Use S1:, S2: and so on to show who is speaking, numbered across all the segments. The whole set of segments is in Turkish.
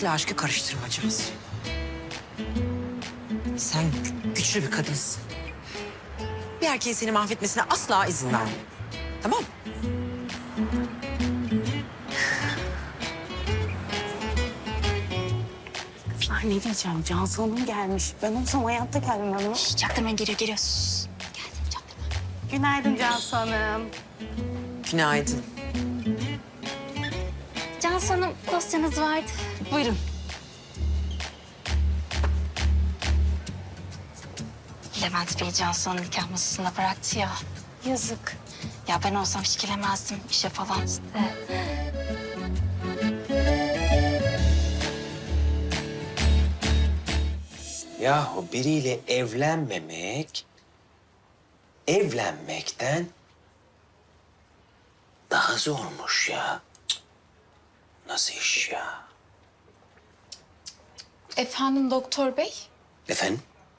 S1: işle aşkı karıştırmacağız. Sen güçlü bir kadınsın. Bir erkeğin seni mahvetmesine asla izin verme. Tamam mı?
S2: Kızlar ne diyeceğim? Cansu Hanım gelmiş. Ben olsam hayatta gelmem.
S3: Çaktırmayın, geliyor. Sus. Geldim, çaktırma.
S2: Günaydın Cansu Hanım.
S1: Günaydın.
S3: Cansu Hanım, dosyanız vardı.
S2: Buyurun.
S3: Levent Bey Cansu Hanım nikah masasında bıraktı ya. Yazık. Ya ben olsam hiç gelemezdim işe falan.
S4: Yahu biriyle evlenmekten daha zormuş ya. Cık. Nasıl iş ya?
S5: Efendim doktor bey?
S4: Efendim?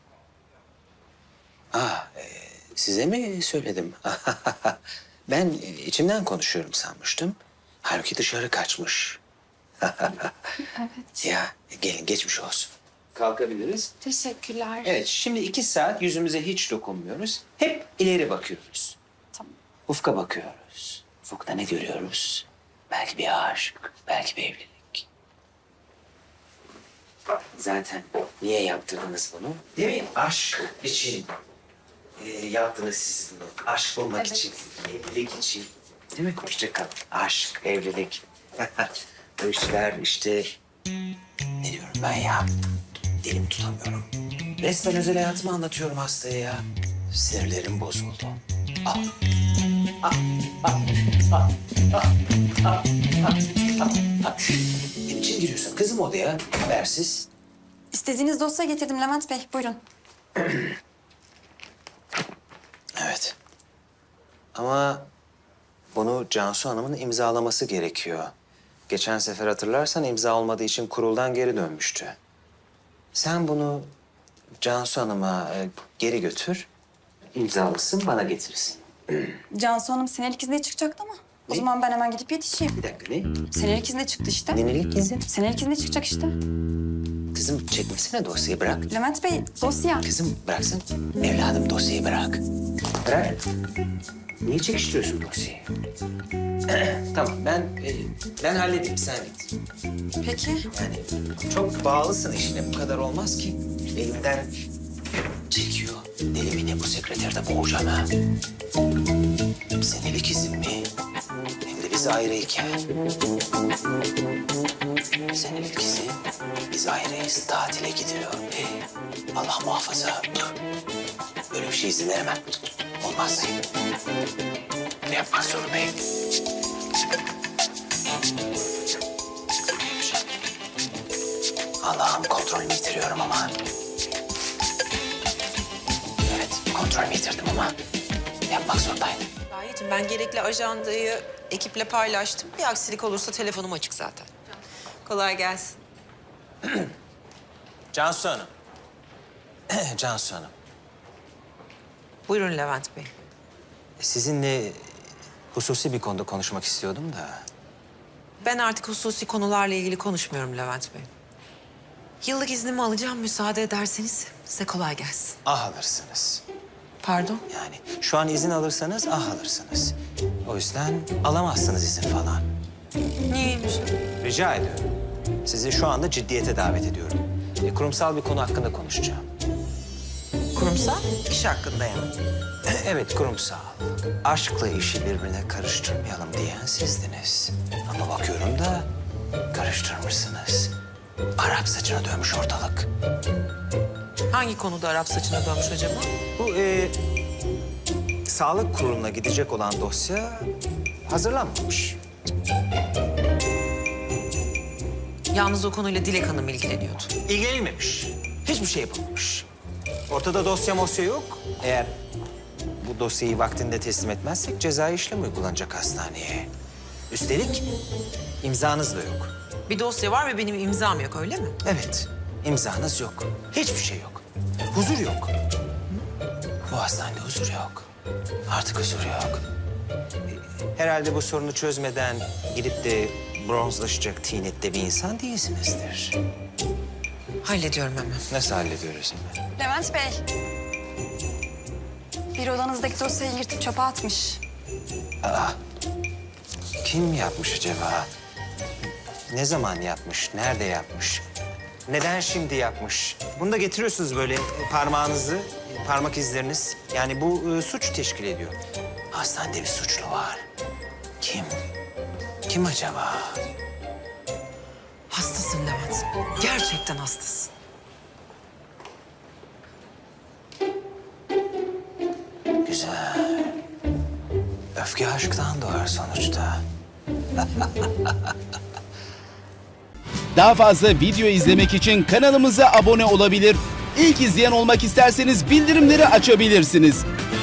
S4: Size mi söyledim? Ben içimden konuşuyorum sanmıştım. Halbuki dışarı kaçmış.
S5: Evet.
S4: Ya gelin geçmiş olsun. Kalkabiliriz.
S5: Teşekkürler.
S4: Evet, şimdi 2 saat yüzümüze hiç dokunmuyoruz. Hep ileri bakıyoruz.
S5: Tamam.
S4: Ufka bakıyoruz. Ufukta ne görüyoruz? Belki bir aşk, belki bir evlilik. Zaten niye yaptırdınız bunu? Değil mi? Aşk için yaptınız siz bunu. Aşk bulmak için, evlilik için. Değil mi? Hoşça kal. Aşk, evlilik. Bu işler işte... Ne diyorum ben ya? Dilim tutamıyorum. Resmen özel hayatımı anlatıyorum hastaya ya. Sinirlerim bozuldu. Ne biçim giriyorsun kızım odaya? Habersiz.
S6: İstediğiniz dosya getirdim Levent Bey. Buyurun.
S4: Evet. Ama bunu Cansu Hanım'ın imzalaması gerekiyor. Geçen sefer hatırlarsan imza olmadığı için kuruldan geri dönmüştü. Sen bunu Cansu Hanım'a geri götür. İmzalısın, bana getirsin.
S6: Cansu Hanım senelik izne çıkacaktı ama. O
S4: Ne?
S6: zaman ben hemen gidip yetişeyim.
S4: Bir dakika ne?
S6: Senelik izne çıktı işte.
S4: Nenelik izin.
S6: Senelik izne çıkacak işte.
S4: Kızım çekmesene dosyayı bırak.
S6: Levent Bey dosya.
S4: Kızım bıraksın. Evladım dosyayı bırak. Bırak. Niye çekiştiriyorsun dosyayı? Tamam ben halledeyim sen git.
S6: Peki.
S4: Yani çok bağlısın işine bu kadar olmaz ki. Elimden çekiyor. Deli mi ne bu sekreterde boğacağım ha. Senelik izin mi? Hem de biz ayrıyken. Senelik izin. Biz ayrıyız. Tatile gidiyor. Allah muhafaza. Böyle bir şey izin veremem. Olmaz. Ne yapmak zorundayım? Allah'ım kontrolümü yitiriyorum ama. Evet, kontrolümü yitirdim ama yapmak zorundaydım.
S1: Gayecim ben gerekli ajandayı ekiple paylaştım. Bir aksilik olursa telefonum açık zaten. Kolay gelsin.
S4: Cansu Hanım. Cansu Hanım.
S1: Buyurun Levent Bey.
S4: Sizinle hususi bir konuda konuşmak istiyordum da.
S1: Ben artık hususi konularla ilgili konuşmuyorum Levent Bey. Yıllık iznimi alacağım müsaade ederseniz size kolay gelsin.
S4: Alırsınız.
S1: Pardon?
S4: Yani şu an izin alırsanız alırsınız. O yüzden alamazsınız izin falan.
S1: Niyeymiş?
S4: Rica ediyorum. Sizi şu anda ciddiyete davet ediyorum. Kurumsal bir konu hakkında konuşacağım.
S1: Kurumsal iş hakkında yani.
S4: Evet, kurumsal. Aşkla işi birbirine karıştırmayalım diyen sizdiniz. Ama bakıyorum da karıştırmışsınız. Arap saçına dönmüş ortalık.
S1: Hangi konuda Arap saçına dönmüş acaba?
S4: Bu sağlık kuruluna gidecek olan dosya hazırlanmamış.
S1: Yalnız o konuyla Dilek Hanım ilgileniyordu.
S4: İlgilenilmemiş. Hiçbir şey yapılmamış. Ortada dosya yok. Eğer bu dosyayı vaktinde teslim etmezsek cezai işlem uygulanacak hastaneye. Üstelik imzanız da yok.
S1: Bir dosya var ve benim imzam yok öyle mi?
S4: Evet, imzanız yok. Hiçbir şey yok. Huzur yok. Bu hastanede huzur yok. Artık huzur yok. Herhalde bu sorunu çözmeden gidip de bronzlaşacak tinette bir insan değilsinizdir.
S1: Hallediyorum hemen.
S4: Nasıl hallediyoruz hemen?
S6: Levent Bey. Bir odanızdaki dosyayı yırtıp çöpe atmış.
S4: Kim yapmış acaba? Ne zaman yapmış? Nerede yapmış? Neden şimdi yapmış? Bunu da getiriyorsunuz böyle parmağınızı, parmak izleriniz. Yani bu suç teşkil ediyor. Hastanede bir suçlu var. Kim? Kim acaba?
S1: Hastasın Levent. Gerçekten hastasın.
S4: Güzel. Öfke aşktan doğar sonuçta.
S7: Daha fazla video izlemek için kanalımıza abone olabilir. İlk izleyen olmak isterseniz bildirimleri açabilirsiniz.